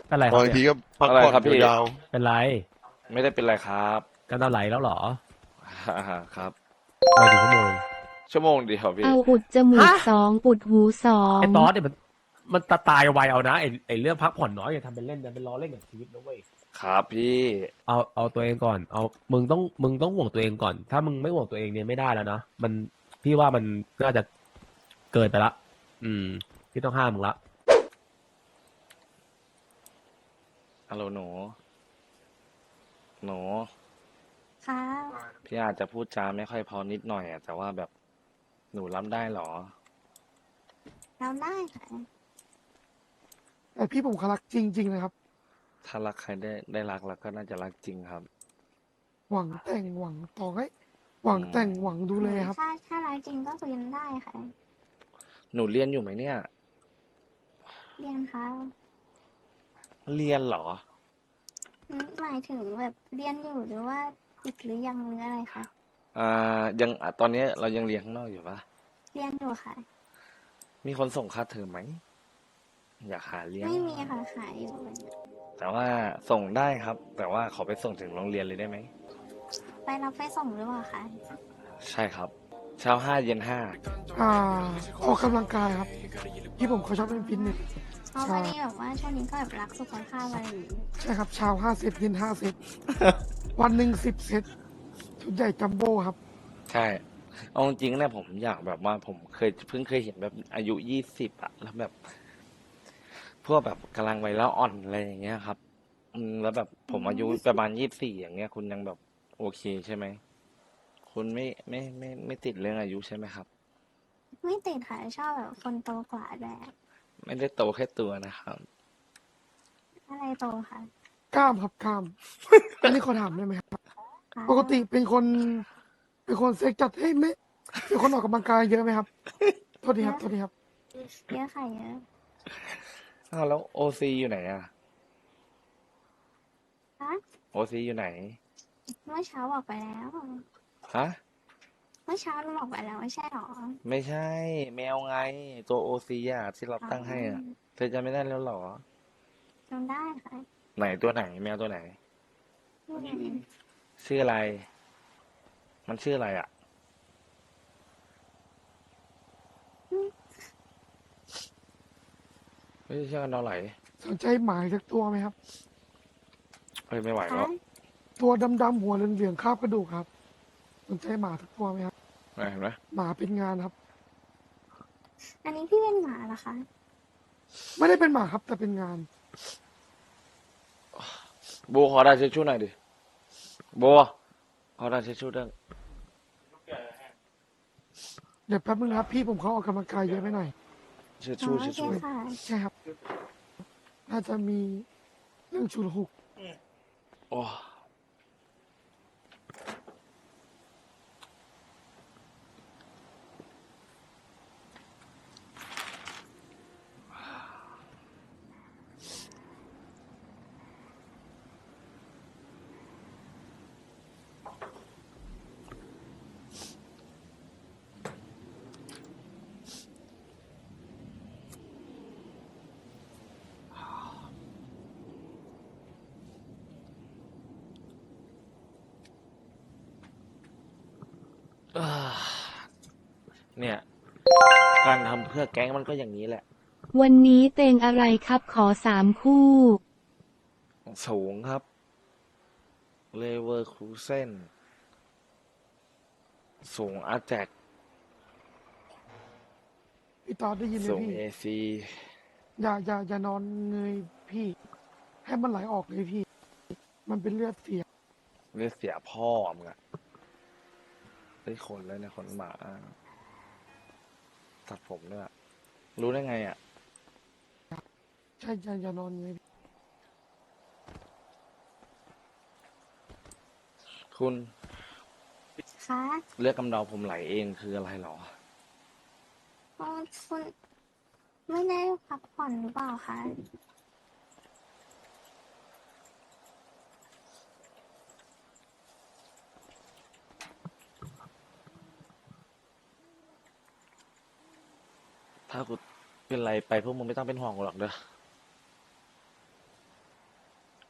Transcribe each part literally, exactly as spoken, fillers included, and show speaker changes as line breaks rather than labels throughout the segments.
เป็นไรครับเนี่ย
บางทีก็พัก
อะไร
ผ่อน
ครับพี่
ยาว
เป็นไร
ไม่ได้เป็นไรครับ
กันตาไหลแล้วเหรอ
อ่าครับ
มากี่ชั่วโมง
ชั่วโมงเดียวพี่
เอาอุดจมู
ฮะ
กสองอุดหูสอ
ไอ้
ง
ตอสเนี่ยมันมันตาตายไวเอานะไอ้ไอ้เรื่องพักผ่อนน้อยอย่าทำเป็นเล่นนะเป็นล้อเล่นกับชีวิตนะเว้ย
ครับพี่
เอาเอาตัวเองก่อนเอามึงต้องมึงต้องห่วงตัวเองก่อน ถ้ามึงไม่ห่วงตัวเองเนี่ยไม่ได้แล้วนะมันพี่ว่ามันน่าจะเกินไปละอืมพี่ต้องห้ามมึงละ
ฮัลโหลหนูหนู
ค่ะ
พี่อาจจะพูดจาไม่ค่อยพอนิดหน่อยอะแต่ว่าแบบหนูรับได้เหรอ
เราได้ค่ะ
แต่พี่ผมเขารักจริงๆนะครับ
ถ้ารักใครได้ได้รักแล้วก็น่าจะรักจริงครับ
หวังแต่งหวังต่อให้หวังแต่งหวังดูแลครับ
ถ้าถ้ารักจริงก็คุยกันได้ค่ะ
หนูเรียนอยู่ไหมเนี่ย
เรียนค่ะ
เรียนเหรอ
อืมหมายถึงแบบเรียนอยู่หรือว่าปิดหรือยังหรืออะไรคะ
อ่ายังอ่ะตอนนี้เรายังเรียนข้างนอกอยู่ปะ
เรียนอยู่ค่ะ
มีคนส่งค่าเทอมไหมอยากหาเลี้ยง
ไม่มีค่ะขายอยู่
แต่ว่าส่งได้ครับ แต่ว่าขอไปส่งถึงโรงเรียนเลยได้ไหม
ไปรับไปส่งหรือเปล่าคะ
ใช่ครับ เช้าห้าเย็นห้า
อ่าออกกำลังกายครับ พี่ผมเขาชอบเล่นฟิตเนส
เพราะวันนี้แบบว่าช่วงนี้ก็แบบรักสุขภาพอะไรอย่างงี้
ใช่ครับเช้าห้าเซตเย็นห้าเซต วันหนึ่งสิบเซตชุดใหญ่จัมโบ้ครับ
ใช่เอาจริงๆเนี่ยผมอยากแบบว่าผมเคยเพิ่งเคยเห็นแบบอายุยี่สิบอะแล้วแบบ พวกแบบกำลังวัยแล้วอ่อนอะไรอย่างเงี้ยครับอืมแล้วแบบผมอายุประมาณยี่สิบสี่อย่างเงี้ยคุณยังแบบโอเคใช่ไหมคุณไม่ไม่ไม่ไม่ติดเรื่องอายุใช่ไหมครับ
ไม่ติดค่ะชอบแบบคนโตกว่าแบบ
ไม่ได้โตแค่ตัวนะครับ
อะไรโตค่ะ
กล้ามครับกล้าม อันนี้ขอถามได้ไหมครับ
ค่ะ
ปกติเป็นคน เป็นคนเซ็กจัดเฮ้ยไม่เป็นคนออกกำลังกายเยอะไหมครับ โทษทีครับโทษทีครับ
เยอะค่ะเยอะ
อ้าวแล้วโอซีอยู่ไหนอะ
ฮะ
โอซีอยู่ไหน
เมื่อเช้าบอกไปแล้ว
ฮะ
เมื่อเช้าเราบอกไปแล้วไม่ใช่หรอ
ไม่ใช่ แมวไง ตัวโอซีอะที่เราตั้งให้อะเธอจะไม่ได้แล้วเหรอ
จำได้ค่ะ
ไหนตัวไหน แมวตัวไหน
อืม
ชื่ออะไร มันชื่ออะไรอะไม่ใช่ชื่อกันดอไหล
สนใจหมายสักตัวไหมครับ
เฮ้ยไม่ไหว
คะ
แล้ว
ตัวดำๆหัวเหลืองๆคาบกระดูกครับ สนใจหมาสักตัวไหมครับ
เห็นไหม
หมาเป็นงานครับ
อันนี้พี่เป็นหมาเหรอคะ
ไม่ได้เป็นหมาครับ แต่เป็นงาน
โบขอได้เช็ดชู่หน่อยดิโบขอได้เช็ดชู่ด้วย
เดี๋ยวแป๊บนึงนะครับ พี่ผมเขาออกกำลังกายเยอะไปหน่อย
เช็ด
อ๋อ
ชู่
โอ
เช็ด
เค
ชู่
ค่ะ
ใช่ครับ น่าจะมีเรื่องฉุลหุก
โอ้อ่าเนี่ย การทำเพื่อแก๊งมันก็อย่างนี้แหละ
วันนี้เต็งอะไรครับขอสามคู่
สูงครับ เลเวอร์คูเซนสูงอาแจก
พี่ตอดได้ยินไหม
สูง
พี่
เอซี
อย่าอย่าอย่านอนเงยพี่ ให้มันไหลออกเลยพี่ มันเป็นเลือดเสีย
เรียกเสียพ่อมึงอะได้ขนเลยนะขนหมา ตัดผมด้วยอะรู้ได้ไงอะ
ใช่อย่าอย่านอนเงย
คุณ
คะ
เลือดกำเดาผมไหลเองคืออะไรหรอ
อ๋อคุณไม่ได้พักผ่อนหรือเปล่าคะ
ถ้ากูเป็นไรไปพวกมึงไม่ต้องเป็นห่วงกูหรอกเด้อ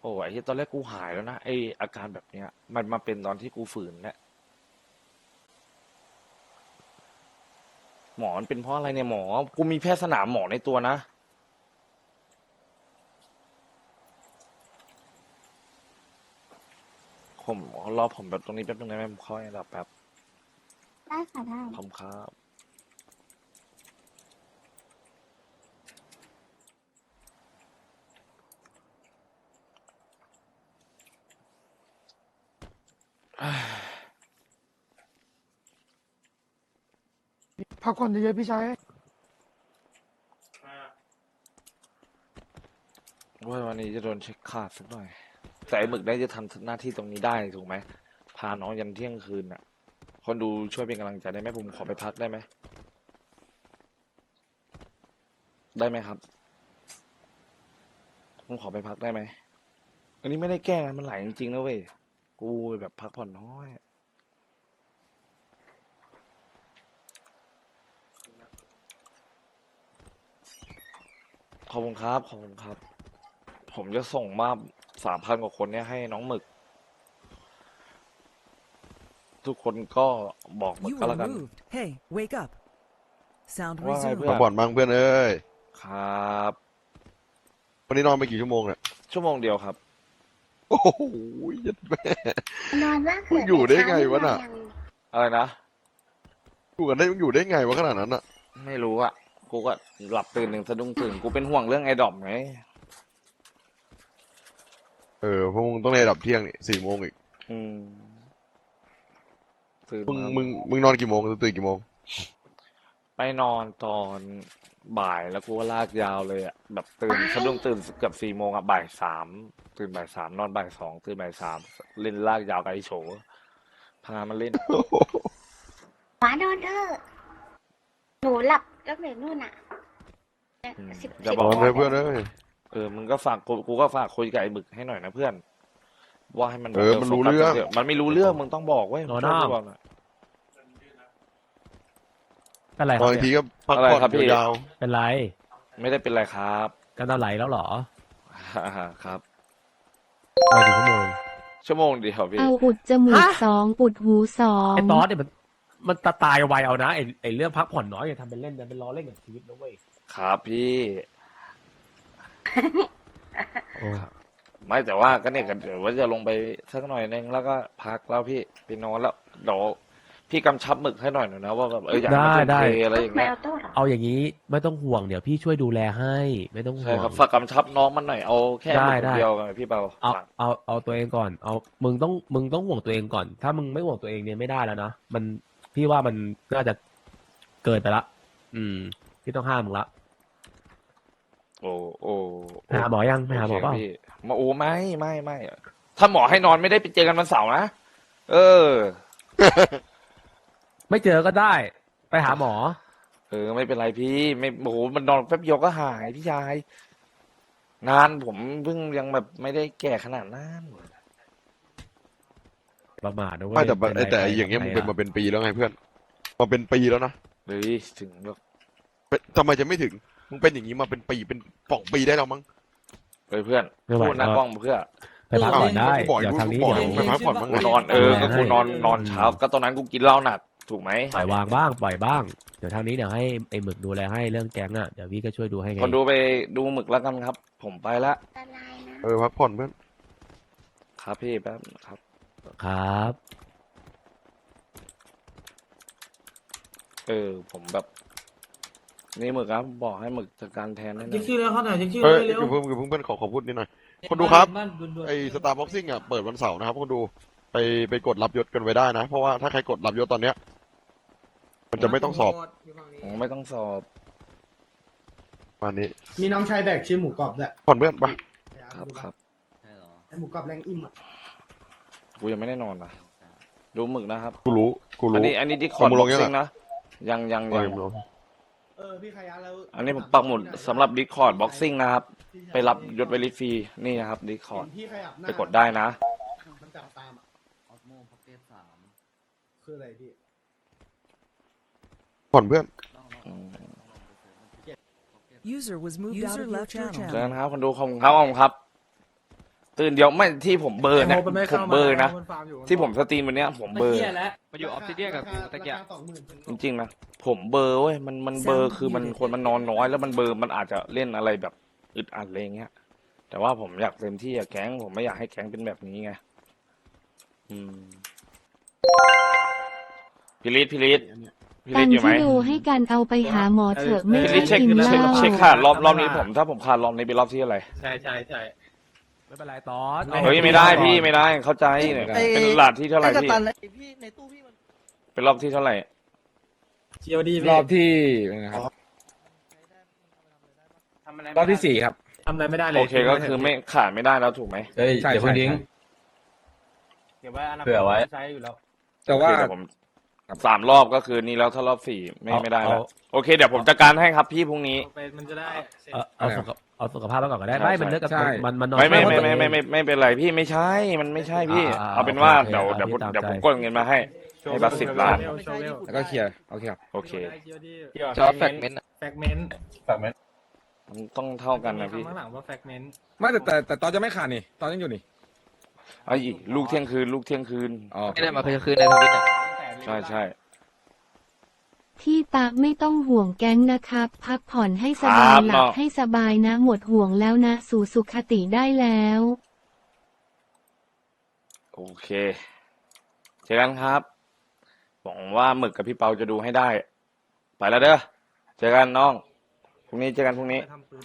อ้ไอ้ที่ตอนแรกกูหายแล้วนะไออาการแบบเนี้ย มันมาเป็นตอนที่กูฝืนแหละหมอมันเป็นเพราะอะไรเนี่ยหมอ กูมีแพทย์สนามหมอในตัวนะ ผมรอผมแบบตรงนี้แป๊บนึงได้ไหมผมเข้าให้รับแป๊บ
ได้ค่ะได้
ผมครับเอ้ย
พักผ่อนเยอะๆพี่ชาย
ว่าวันนี้จะโดนเช็คขาดสักหน่อย แต่ไอ้หมึกได้จะทำหน้าที่ตรงนี้ได้ถูกไหม พาน้องยันเที่ยงคืนน่ะ คนดูช่วยเป็นกำลังใจได้ไหมผมขอไปพักได้ไหม ได้ไหมครับ ผมขอไปพักได้ไหม อันนี้ไม่ได้แกล้งนะมันไหลจริงๆนะเว้ย กูแบบพักผ่อนน้อย ขอบคุณครับ ขอบคุณครับ ผมจะส่งมาสามพันกว่าคนเนี่ยให้น้องหมึก ทุกคนก็บอกหมึก
You
ก็
were
แล้วกัน
moved. Hey, wake up. Sound
ว่าไง
resumed.
เพื่อ
พักผ่อนบ้างเพื่อนเอ้ย
ครับ
วันนี้นอนไปกี่ชั่วโมงเนี่ย
ชั่วโมงเดียวครับ
โอ้โหยัดแม่
นอนว่าง
มึงอยู่ได้ไงวะน่ะ
อะไรนะ
อยู่กันได้มึงอยู่ได้ไงวะขนาดนั้นอ่ะ
ไม่รู้อะกูก็หลับตื่นหนึ่งสะดุ้งตื่น กูเป็นห่วงเรื่องไอ้ดอมไง
เออเพราะมึงต้องในระดับเที่ยงนี่สี่โมงอีก
อืมตื่น
มึง
มา
มึงมึงนอนกี่โมงตื่นกี่โมง
ไปนอนตอนบ่ายแล้วกูก็ลากยาวเลยอะแบบตื่นสะดุ้งตื่นเกือบสี่โมงอะบ่ายสามตื่นบ่ายสามนอนบ่ายสองตื่นบ่ายสามเล่นลากยาวกับไอ้โฉพามาเล่น
หมานอนเถอะหนูหลับตั้งแต่นู่นอ่ะ
อืม
สิบ
อย่า
น
บอ
อก นเลยเพื่อนเอ้ย
เออมึงก็ฝากกูกูก็ฝากคุยกับไอ้บึกให้หน่อยนะเพื่อน ว่าให้มัน
เออมันรู้เรื่อง
โฟกัสมันไม่รู้เรื่องมึงต้องบอกเว้ย
โน่น
ช่วย
น่ะ
กูบอกหน่อย
เป็นไรคน
อ
รับ
นอีกที
เนี่ย
ก็พัก
อะไร
ผ่อน
ครับพี่
ยาว
เป็นไร
ไม่ได้เป็นไรครับ
กันตาไหลแล้วเหรอ
ครับ
มากี่ชั่วโมง
ชั่วโมงเดียวพี่
เอาอุดจมูก
ฮะ
สองปุดหูสอง
ไอ้ตอสเนี่ยมันมันตาตายไวเอานะไอ้ไอ้เรื่องพักผ่อนน้อยอย่าทำเป็นเล่นนะเป็นล้อเล่นกับชีวิตนะเว้ย
ครับพี่
โอ้
ไม่แต่ว่าก็เนี่ยก็เดี๋ยวว่าจะลงไปสักหน่อยนึงแล้วก็พักแล้วพี่ไปนอนแล้วเดี๋ยวพี่กำชับหมึกให้หน่อยหน่อยนะว่าแบบเอออยากให้มัน
ได้
ทุ่ม
ได้
เทอะไรอย่าง
แม
เงี้ยว
โต้เหรอ
เอาอย่างนี้ไม่ต้องห่วงเดี๋ยวพี่ช่วยดูแลให้ ไม่ต้องห่
ใช่
วง
ครับฝากกำชับน้องมันหน่อยเอาแค่ห
ได้
มึก
ได้
เดียวกันพี่เปา
เอา
ฝาก
เอาเอาตัวเองก่อน เอามึงต้องมึงต้องห่วงตัวเองก่อน ถ้ามึงไม่ห่วงตัวเองเนี่ยไม่ได้แล้วนะมันพี่ว่ามันน่าจะเกินไปละ อืม พี่ต้องห้ามมึงละ
โอ้โอ้
ไปหาหมอยังไปหาหมอ
โเค
เปล่า
พี่มาโอ้ไม่ไม่ไม่ถ้าหมอให้นอนไม่ได้ไปเจอกันวันเสาร์นะเออ
ไม่เจอก็ได้ ไปหาหมอ
เออไม่เป็นไรพี่ไม่โอ้โหมันนอนแป๊บเดียวก็หายพี่ชายงานผมเพิ่งยังแบบไม่ได้แก่ขนาดนั้น
ประมาทนะ
ๆ
เว้ย
ไม่แต่
เป็นไร
แต่
ไป
อย่างเงี้ยมึง
ทำไ
เป็นมาเป็นปีแล้วไงเพื่อนมาเป็นปีแล้วนะ
เฮ้ยถึงแบบ
เป็นทำไมจะไม่ถึงมึงเป็นอย่างนี้มาเป็นปีเป็นสองปีได้แล้วมั้ง
เฮ้ยเพื่อน
ไม่ไหว
พูดหน้า
ก็
กล้องเพื่อ
ไปพักผ่อนได้
กูบอก
เดี๋ยว
กู
ทางนี้
บอก
เดี๋ยว
ไปพักผ่อนบ้าง
กู
ไง
นอนเออ
ดูแล
ก็กู
ให้
นอนนอนเช้า ก็ตอนนั้นกูกินเหล้าหนักถูกไหม
ปล่อยวางบ้างปล่อยบ้าง เดี๋ยวทางนี้เดี๋ยวให้ไอ้หมึกดูแลให้เรื่องแก๊งอ่ะเดี๋ยวพี่ก็ช่วยดูให้ไง
คนดูไปดูหมึกแล้วกันครับ ผมไปละ
ละลายนะ
เออพักผ่อนเพื่อน
ครับพี่แป๊บครับ
ครับ
เออ ผมแบบ นี่หมึกครับ บอกให้หมึกจัดการแทนได้หน่
เช็
อ
ค
ย
ชื่อแล้วเขาหน่อยเช็คชื่อ
เฮ้ย
เร็ว
เพิ่มเพิ่มเพื่อนขอขอพูดนิดหน่อย คนดูครับ
บ้านด่วนๆ
ไอ้สตาร์บ็อกซิ่งอ่ะเปิดวันเสาร์นะครับคนดูไปไปกดรับยศกันไว้ได้นะ เพราะว่าถ้าใครกดรับยศตอนเนี้ย มันจะไม่ต้องสอบ
ผมไม่ต้องสอบ
วันนี้
มีน้องชายแบกชื่อหมูกรอบด้วย
ผ่อนเพื่อนไป
ครับครับ
ไอหมูกรอบแรงอิ่มอ่ะ
กูยังไม่ได้นอนนะดูหมึกนะครับ
กูรู้กู
อัน
รู้
นี้ อันนี้ดิคอร์ด
เอามึง
บ็
ล
อง ก
ยัง
ซิ่ง
อะ
นะ ยังยัง
เอ
ยัง
อมึงรู้
เออพี่ขยะแล้ว
อันนี้ผมปักหมุดสำหรับดิคอร์ดบ็อกซิ่งนะครับ ไปรับยศไวลิฟรีนี่นะครับดิคอร์ด
พี่ขยับหน้า
ไปกดได้นะ
มันจับตามอ่ะออสโมพ็อกเก็ตสามคืออะไรพี่
ผ่อนเพื่อน
User was moved out of your channel.
เจอกันครับคนดูขอบคุณครับขอบคุณครับตื่นเดี๋ยวไม่ที่ผมเบอร์เนี่ย
ไโมมันไม่
ผ
ข้าม มา
เบอร์นะ
บฟาร์มอยู่
ที่ผมสตรีมวันเนี้ย ผมเบอร์
มาอยู่ออฟซิเดียนกับกูตะเกียบ
สองหมื่นถึง
จริงๆนะผมเบอร์เว้ยมันมันเบอร์คือมันคนมันนอนน้อยแล้วมันเบอร์มันอาจจะเล่นอะไรแบบอึดอัดอะไรเงี้ย แต่ว่าผมอยากเต็มที่อะแก๊งผมไม่อยากให้แก๊งเป็นแบบนี้ไงอืมพิริศพิริศพิ
ตั
ริศ
น
อยู่ไหม
ที่ดูให้การเอาไปหาหมอเถอะไม่
พิ
ใช่
ริศเช็ค
กินเห
เช็ค
ล้า
เช็คขาดรอบรอบนี้ผมถ้าผมขาดรอบนี้เป็นรอบที่อะไร
ใช่ใช่ใช่ไม่เป็นไรตอน
เฮ้ยไม่ได้พี่ไม่ได้เข้าใจเนี่ยเป็นหลาดที่เท่าไหร่พี่
พี่ในตู้พี่มัน
เป็นรอบที่เท่าไหร่
จีโอดี
รอบที่นะครับรอบที่สี่ครับ
ทำอะไรไม่ได้เลย
โอเคก็คือไม่ขาดไม่ได้แล้วถูกไหม
เฮ้ยเดี๋ยวคุณดิ้ง
เก็บไว้อนาคต
เผื่อไว้
ใช้อยู่แล้ว
แต่ว่า
โอเคเดี๋ยวผมสามรอบก็คือนี่แล้วถ้ารอบสี่ไม่
เอา
ไม่ได้แล้ว
เอา
โอเคเดี๋ยวผมจัดการให้ครับพี่พรุ่งนี้
มันจะได้เสร็จ
เอาเอาสุขเอาสุขภาพแล้วก่อนก็ได้
ใช่
ไม่มันเลิกกับ
ใช่
มันมันนอน
ไม่ไม่
ช่วย
ไม่
ตัว
ไม่
เอง
ไม่ไม่ไม่เป็นไรพี่ไม่ใช่มันไม่ใช่พี่
อ่าอ่า
เอาเป็นว่า
โอเค
เดี๋ยว
โอเค
เดี๋ยวผม
ตาม
เดี๋ยวผม
ใจ
กดเงินมาให้ให้บัตรสิบล้าน
โชว์เวล
แล้วก็เคลียร์โอเคครับ
โอเค
จีโอดี
ชอบแฟกเมนต์
แฟกเมนต์
มันต้องเท่ากันนะพี่
ข้างหลังว่าแฟกเมนต์
ไม่แต่แต่แต่ตอนจะไม่ขาดนี่ ตอนยังอยู่นี่
ไอ้ลูกเที่ยงคืนลูกเที่ยงคืน
อ๋อ
ไม่ได้มาคืนคืนในทวิตอ่ะ
ใช่ใช่
พี่ตาไม่ต้องห่วงแก๊งนะครับ พักผ่อนให้สบาย
ครับ
หลับ
เนาะ
ให้สบายนะ หมดห่วงแล้วนะ สู่สุขติได้แล้ว
โอเคเจอกันครับหวังว่าหมึกกับพี่เปาจะดูให้ได้ ไปแล้วเด้อเจอกันน้องพรุ่งนี้เจอกันพรุ่งนี้
ไปทำปืน